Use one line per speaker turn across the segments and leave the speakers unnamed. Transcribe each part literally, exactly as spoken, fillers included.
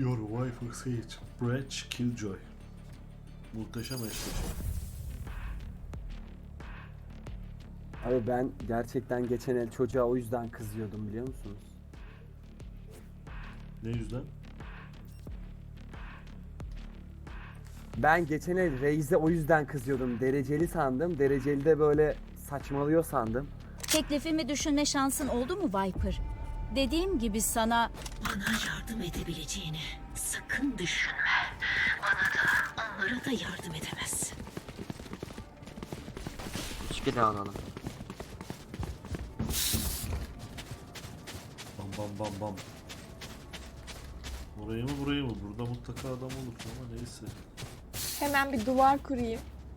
Your wife Sage, Breach Killjoy. Muhteşem eşleşme.
Abi ben gerçekten geçen el çocuğa o yüzden kızıyordum, biliyor musunuz?
Ne yüzden?
Ben geçen el Reis'e o yüzden kızıyordum. Dereceli sandım. Dereceli de böyle saçmalıyor sandım.
Teklifimi düşünme şansın oldu mu Viper? Dediğim gibi sana
Bana yardım edebileceğini sakın düşünme. Bana da onlara da yardım edemezsin.
İçki de alalım.
Bam bam bam bam. Burayı mı burayı mı? Burada mutlaka adam olur ama neyse.
Hemen bir duvar kurayım.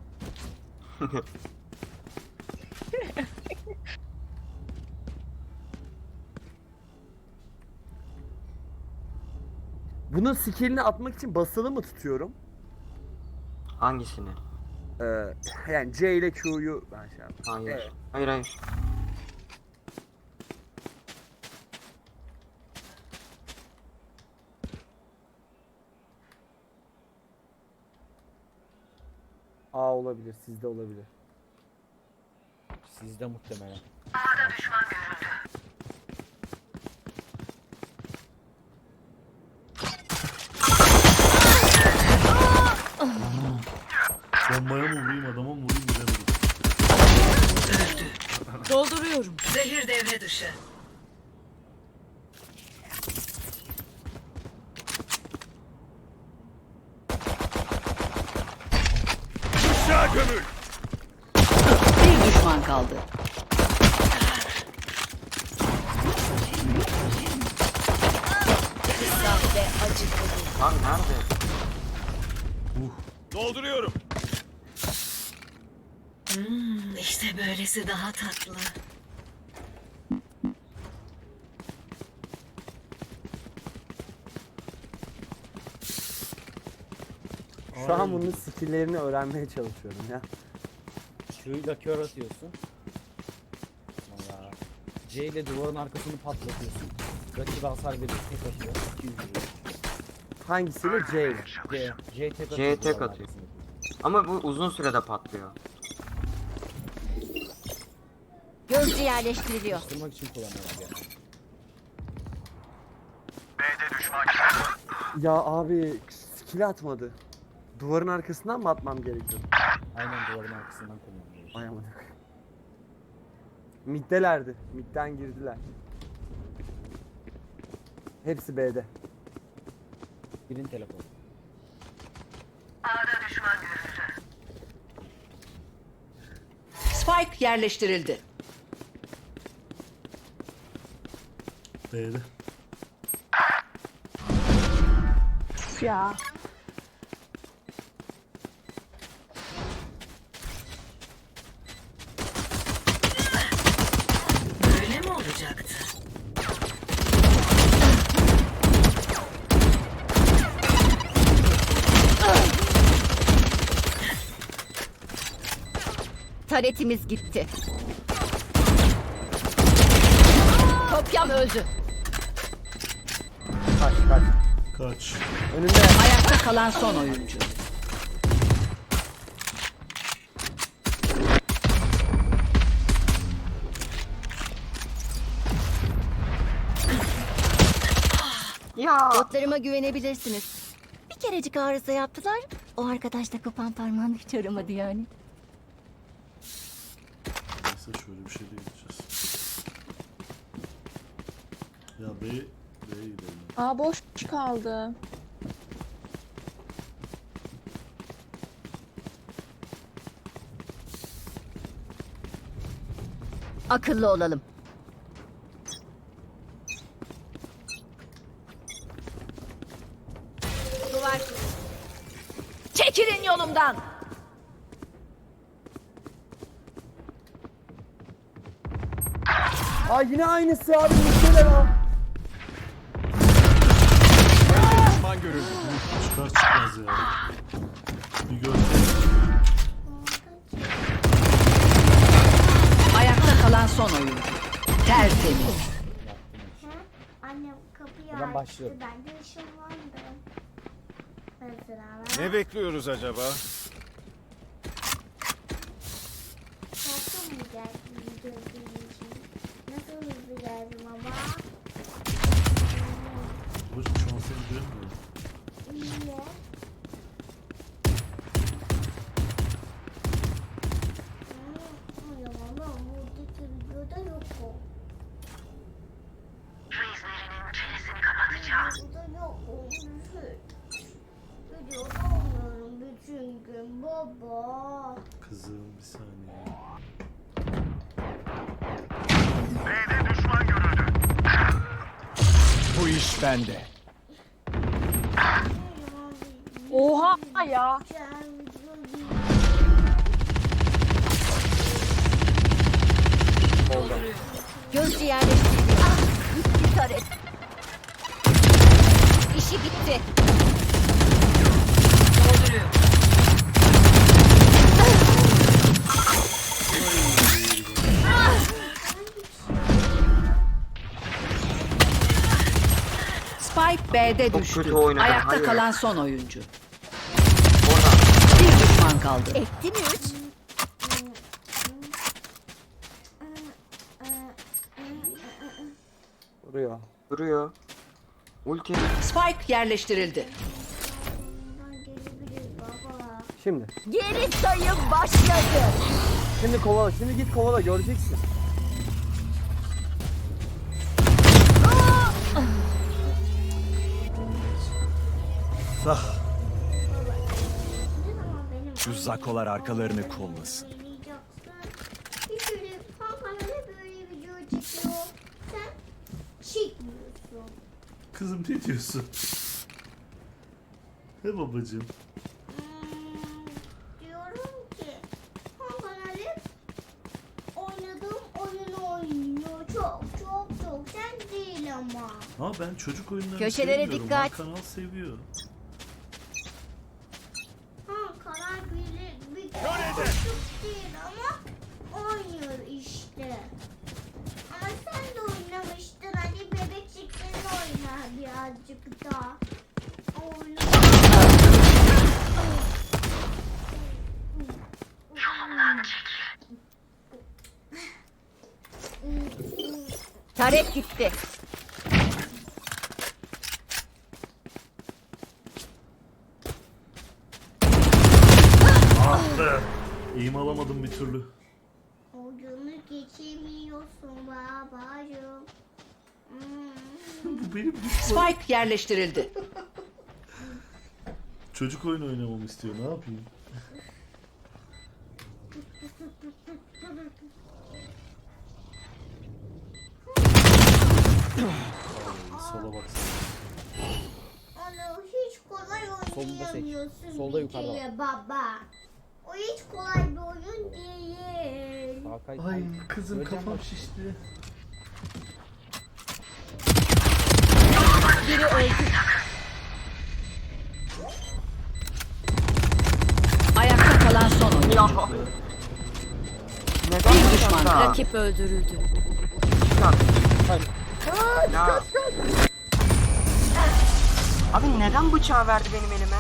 Bunun skillini atmak için basılı mı tutuyorum?
Hangisini?
Ee, yani C ile Q'yu ben şey yaptım.
Hayır.
Evet.
Hayır hayır.
A olabilir, sizde olabilir.
Sizde muhtemelen.
Bombaya mı vurayım adama mı vurayım bilemedim.
dolduruyorum.
Zehir devre dışı.
Bir düşman kaldı. Kısa ve acıklı.
Lan nerede?
Dolduruyorum.
Hmm, işte böylesi daha tatlı.
Şu an bunun skilllerini öğrenmeye çalışıyorum ya.
Q'yla kör atıyorsun. Valla. C ile duvarın arkasını patlatıyorsun. Rakibe hasar veriyor. Tek atıyor. iki yüz vuruyor.
Hangisiyle? C ile.
C. C tek atıyor.
C tek
duvarın
atıyor.
arkasını.
Ama bu uzun sürede patlıyor.
Gözcü yerleştiriliyor.
Kırmak için kullanıyorlar yani.
Ya abi skill atmadı. Duvarın arkasından mı atmam gerekiyor?
Aynen duvarın arkasından kullanıyorlar.
Ay aman. Middelerdi. Midden girdiler. Hepsi B'de.
Birin telefonu.
Spike yerleştirildi.
B'de.
Ya.
Böyle mi olacaktı?
Taretimiz gitti. Kopyam öldü.
Kaç kaç.
Kaç.
Önünde.
Ayakta kalan son oyuncu.
Ya.
Botlarıma güvenebilirsiniz. Bir kerecik arıza yaptılar. O arkadaş da kopan parmağını hiç aramadı yani.
Neyse şöyle bir şeyle gideceğiz. Ya B, B'ye gidelim.
Aa boş kaldı.
Akıllı olalım. Duvar. Çekilin yolumdan.
Aa yine aynısı abi. Middeler ha.
Düşman görüldü.
Çıkar çıkmaz ya. Bir gör.
Ayakta kalan son oyuncu. Tertemiz.
Anne kapıyı
Ben başlıyorum.
Ben de ışınlandım. Mesela
Ne bekliyoruz acaba?
nasıl mı geldim gördüğüm için? Nasıl hızlı geldim ama?
Babacım şu an seni görmüyorum.
Niye? Hmm, o zaman buradaki videoda yok o.
Reislerinin çenesini kapatacağım.
Burada yok o. Videoda olmuyorum bütün gün baba.
Kızım bir saniye.
B'de düşman görüldü. Bu iş bende.
Oha ya.
Gözcü yerleştiriliyor. Ah, gitti taret. İşi bitti.
Spike B'de
Çok
düştü.
kötü oynadı,
Ayakta
hayır.
kalan son oyuncu.
Orada.
Bir düşman kaldı.
Etti mi üç?
Vuruyor.
Duruyor. Ulti.
Spike yerleştirildi.
Baba.
Şimdi.
Geri sayım başladı.
Şimdi kovala. Şimdi git kovala göreceksin.
Sah.
Şu zakolar arkalarını kollasın.
Bir sürü kankalara böyle video çekiyor. Sen çekmiyorsun.
Kızım ne diyorsun? He babacım.
Hmm, diyorum ki kankalar hep oynadığım oyunu oynuyor. Çok çok çok. Sen değil ama.
Ha ben çocuk oyunlarını
Köşelere
sevmiyorum.
dikkat.
Ha, kanal seviyor.
Ha karar bir, bir çocuk değil ama oynuyor işte. Ama sen de oynamıştın. Hadi bebekçik sen oyna birazcık daha. Oyna.
Taret gitti.
Ah be. İğim alamadım bir türlü.
Oyunu geçemiyorsun babacığım. Hmm.
Bu benim düşmanım.
Spike yerleştirildi.
Çocuk oyunu oynamamı istiyor. Ne yapayım? Ay, sola baksana.
Onu hiç kolay
Solunda seç.
oynayamıyorsun
Solda
bir
yukarıda
kere baba. O hiç kolay bir oyun değil.
Hakan,
Ay kızım
Göreceğim
kafam
bak.
şişti.
Biri öldü.
Ayakta kalan son oyuncu.
Ya. Neden
Bir düşman
bıçakla?
Rakip öldürüldü.
Ya. Abi neden bıçağı verdi benim elime?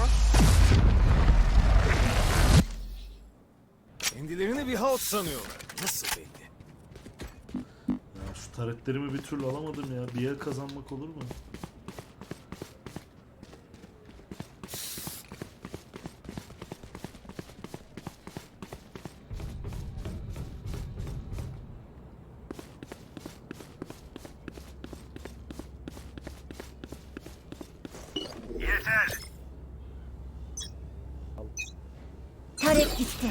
Kendilerini bir halt sanıyorlar. Nasıl belli?
Ya şu taretlerimi bir türlü alamadım ya. Bir yer kazanmak olur mu?
Yeter.
Taret gitti.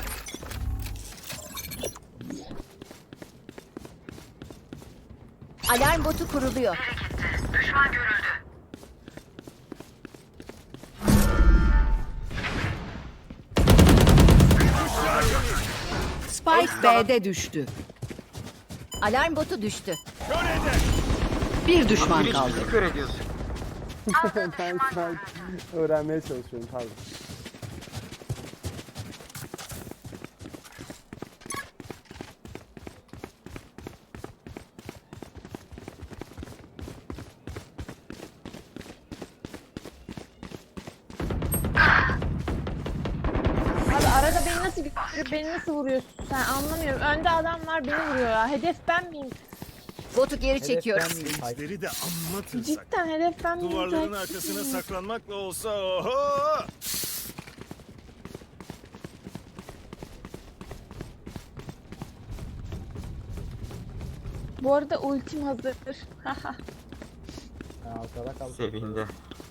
Alarm botu kuruluyor.
Düşman görüldü.
Spike B'de düştü.
Alarm botu düştü.
Bir düşman
Hiç
kaldı.
bizi kör ediyorsun.
Ben şu an öğrenmeye çalışıyorum pardon.
nasıl görüp beni nasıl vuruyorsun sen anlamıyorum. Önde adam var beni vuruyor ya. Hedef ben miyim?
Botu geri
Hedef
çekiyorum.
ben miyim? Hayır.
İzleri de anlatırsak.
Cidden hedef ben miyim?
Duvarların
Takip
arkasına
miyim?
saklanmakla olsa oho!
Bu arada ultim hazır. Haha.
Ben arkada kaldım.
Sevindi.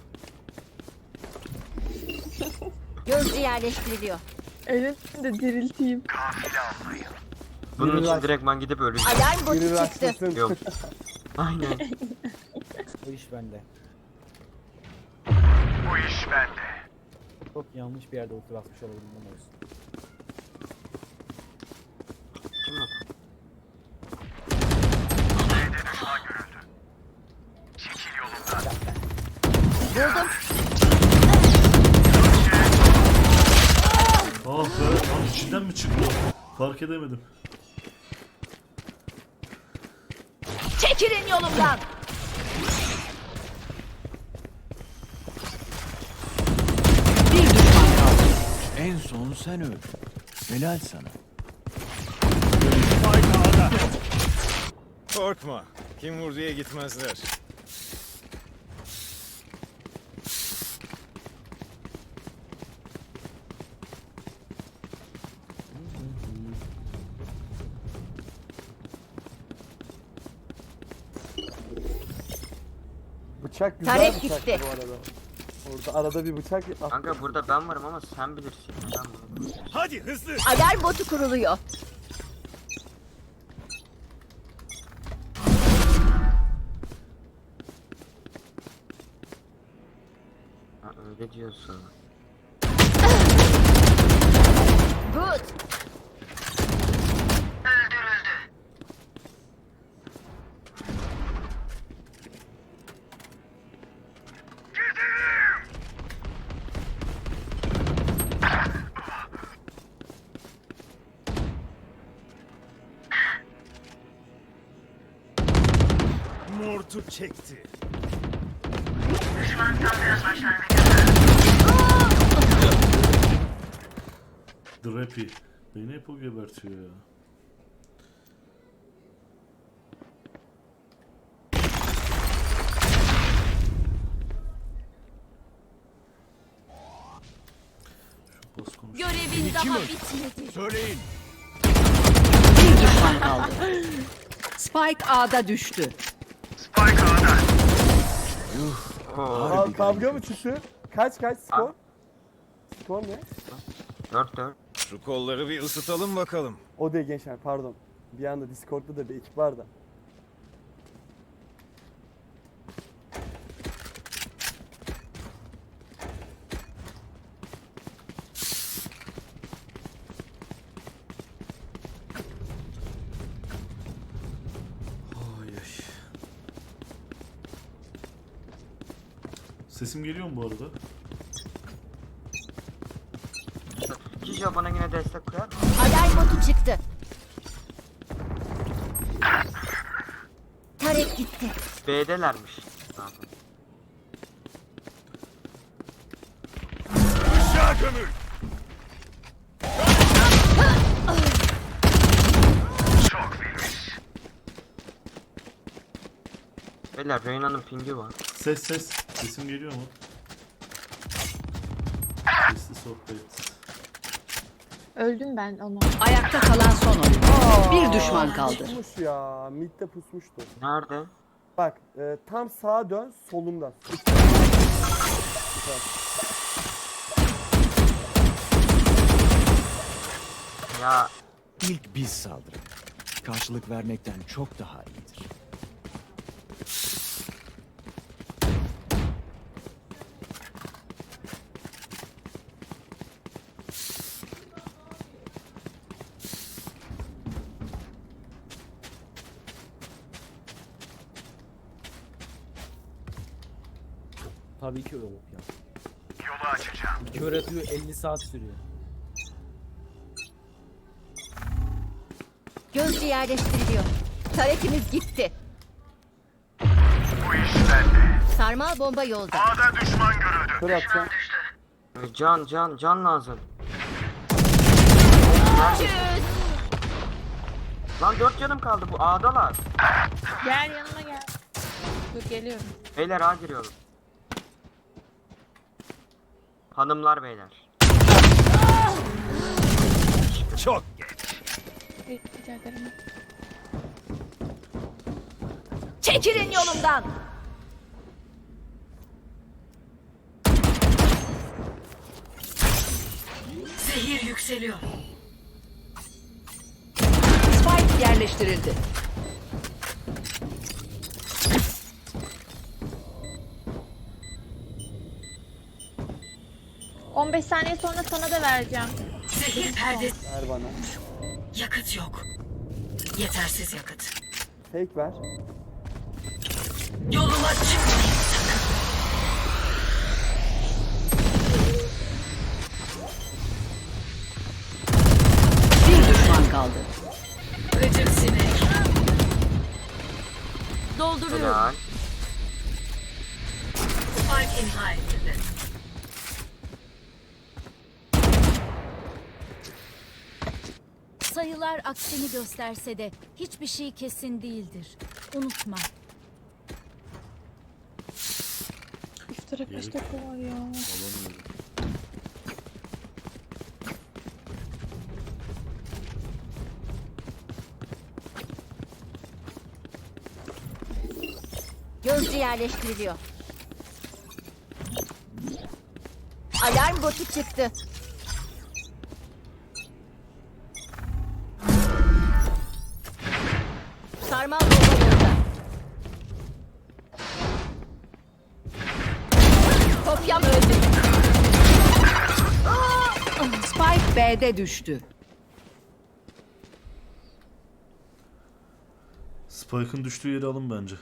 Gözcü yerleştiriliyor.
Ölüm de dirilteyim.
Bunun
Biri
için
rush-
direktman gidip öleceğim.
Alarm botu
Biri
çıktı.
rastlasın.
Yok. Aynen.
Bu iş bende.
Bu iş bende.
Çok yanlış bir yerde ulti basmış olabilirim o yüzden.
Kim o?
B'de düşman görüldü. Çekil yolumdan.
Buldum.
Ah be, lan içinden mi çıktı o? Fark edemedim.
Çekilin yolumdan.
Bir düşman kaldı.
En son sen öl. Helal sana. Korkma. Kim vurduya gitmezler.
Bıçak güzel
Tarek
bıçaktı
gitti.
bu arada. Orada arada bir bıçak at.
Kanka burada ben varım ama sen bilirsin. Ben bunu.
Hadi hızlı.
Alarm botu kuruluyor.
Ha, öyle diyorsun.
Good.
Mortu çekti.
Drappy. Beni hep o gebertiyor ya. Şu boss konuş.
Görevin daha bitmedi.
Söyleyin.
Bir düşman kaldı. Spike A'da düştü.
Spike A'da.
Oo.
Aa, kavga mı çıktı? Kaç kaç skor? Skor ne?
Dört dört.
Şu kolları bir ısıtalım bakalım.
O değil gençler pardon. Bir anda Discord'da da bir ekip var da.
Ay ay. Sesim geliyor mu bu arada?
Kijo bana yine destek koyar mı?
Alarm botu çıktı. Tarek gitti.
B'delermiş zaten.
Aşağı gömül. Çok filiz.
Beyler Reyna'nın pingi var.
Ses ses. Sesim geliyor mu? Sesli sohbet.
Öldüm ben ona.
Ayakta kalan son oyun. Bir düşman kaldı.
Pusmuş ya. Mid'de pusmuştu.
Nerede?
Bak e, tam sağa dön solunda. Süper.
Ya
İlk biz saldırın. Karşılık vermekten çok daha iyidir.
Tabii ki öyle ya.
Yolu açacağım.
Kör atıyor elli saat sürüyor.
Gözcü yerleştiriliyor. Tarekimiz gitti.
Bu iş bende.
Sarmal bomba yolda.
A'da düşman görüldü.
Kör atacağım.
can can can lazım.
Görüşürüz.
Lan dört canım kaldı, bu A'dalar.
Gel yanıma gel. Dur geliyorum.
Beyler A giriyorum. Hanımlar beyler.
Çok
Rica ederim.
Çekilin yolumdan.
Zehir yükseliyor.
Spike yerleştirildi.
on beş saniye sonra sana da vereceğim.
Zehir perdesi.
Ver bana.
Yakıt yok. Yetersiz yakıt.
Fake ver.
Yoluma çıkmayın sakın.
Bir düşman kaldı.
Gıcık sinek.
Dolduruyorum.
Helal.
Spike imha edildi.
Sayılar aksini gösterse de hiçbir şey kesin değildir. Unutma.
Üstüne kaç dakika var ya.
Alamıyorum.
Gözcü yerleştiriliyor. Alarm botu çıktı. Sarmal bomba yolda. Kopyam öldü.
Spike B'de düştü.
Spike'ın düştüğü yeri alın bence.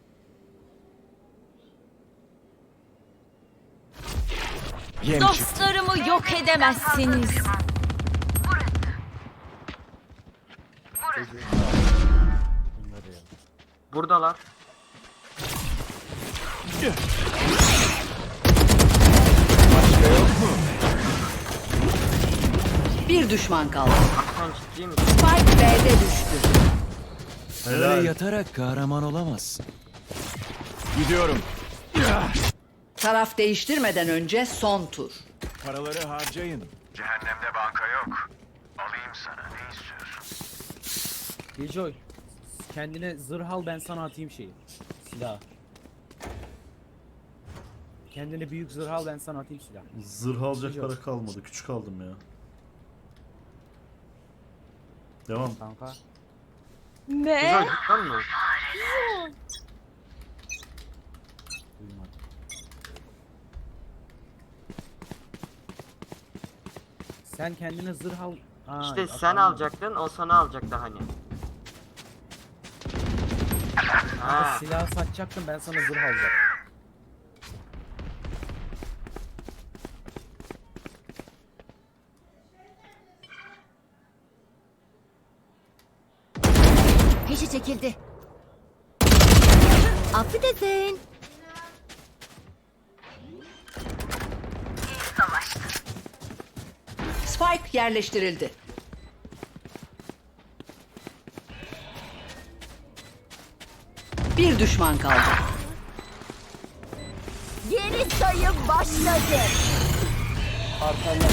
yem çıktı.
Dostlarımı yok edemezsiniz.
Buradalar.
Bir düşman kaldı.
Sen ciddi misin?
Spike B'de düştü.
Helal.
Öyle yatarak kahraman olamazsın. Gidiyorum.
Taraf değiştirmeden önce son tur.
Paraları harcayın.
Cehennemde banka yok. Alayım sana, ne istiyorsun?
Killjoy. Kendine zırh al, ben sana atayım şeyi. Silah. Kendine büyük zırh al, ben sana atayım silah.
Zırh alacak
Yok.
para kalmadı. Küçük aldım ya. Devam.
Kanka.
Ne?
Güzel cidden mi?
Duymadım. Sen kendine zırh al. Aa,
İşte
at-
sen
alma.
alacaktın, o sana alacaktı hani.
Kanka
Ha.
silah satacaktım, ben sana zırh alacaktım.
Peşi çekildi. Affedersin.
Spike yerleştirildi. Bir düşman kaldı.
Yeni sayım başladı.
Arkanda.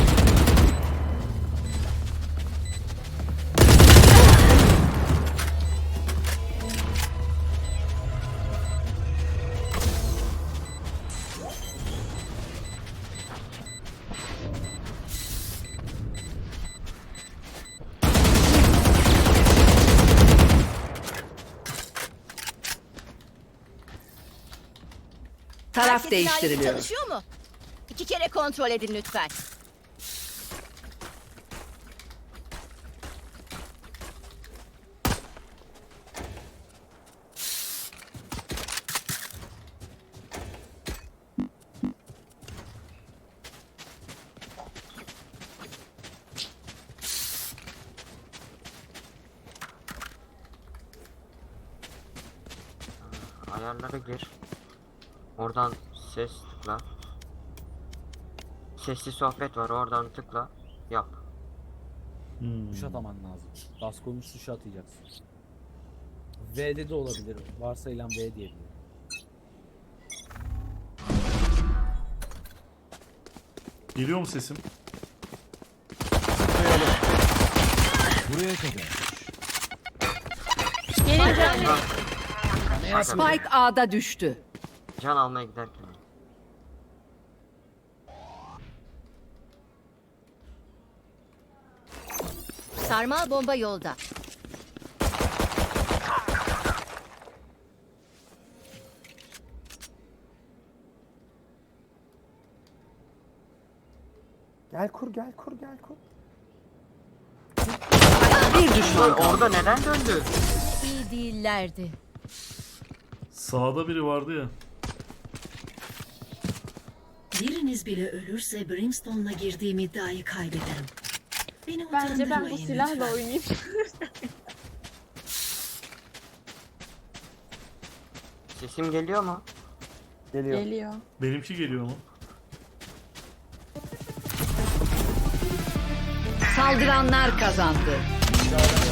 Taraf
Herkesin ailesi
değiştiriliyor.
çalışıyor mu? İki kere kontrol edin lütfen.
Ayarlara gir. Oradan ses tıkla. Sesli sohbet var, oradan tıkla. Yap.
Hmm.
Tuş ataman lazım. Bas konuş tuşu atacaksın. V'de de olabilir. Varsayılan V diyebilirim.
Geliyor mu sesim?
Buraya kadar.
Gelin can.
Can,
Spike A'da düştü.
can almaya giderken.
Sarmal bomba yolda.
Gel kur gel kur gel kur.
Bir düşman
Lan
kaldı.
orada neden döndü?
İyi değillerdi.
Sağda biri vardı ya.
Biriniz bile ölürse Brimstone'la girdiğim iddiayı kaybederim. Beni
Bence ben bu
utandırmayın
silahla
lütfen.
oynayayım.
Sesim geliyor mu?
Geliyor.
Geliyor.
Benimki geliyor mu?
Saldıranlar kazandı.